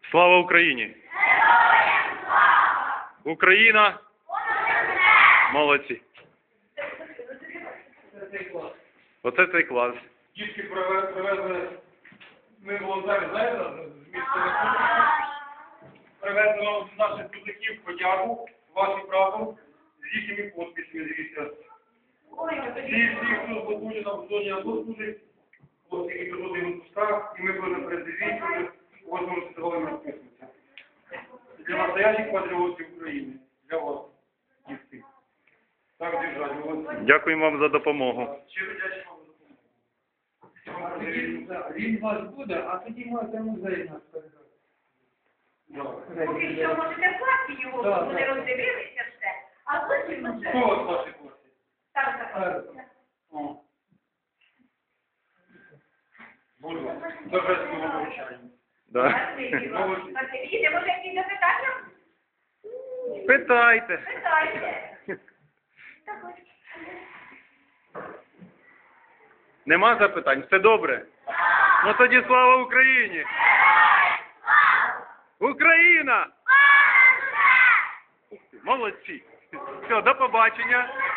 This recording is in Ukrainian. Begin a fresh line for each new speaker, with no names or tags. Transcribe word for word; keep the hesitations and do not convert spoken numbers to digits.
Слава Україні! Україна! Молодці! Оце цей клас.
Дітки привезли, ми волонтери, знаєте, з міста Республіки, привезли вам наших трудників подяку, вашим правом, з їхніми підписами, дивіться. Всі, всі, хто служить нам в зоні АТО служить, ось які приходили в відпусках, і ми були на передовій, ось ми встигали розписуватися. Для настоящих патріотів України, для вас, дітки. Так держать, молодці.
Дякуємо вам за допомогу.
Щиро дякую вам.
Він у вас буде, а тоді можете музей нас передати.
Поки що можете в класі його,
Да,
вони
да.
роздивилися все, а потім вже
Хто у вас в вашій класі?
там заходиться.
О. Будь ласка. Торжественно вручаємо.
Да.
Спасибі вам. Спасибі. Може, якісь запитання?
Питайте.
Питайте.
Нема запитань? Все добре? Ну тоді слава Україні! Україна! Молодці! Все, до побачення!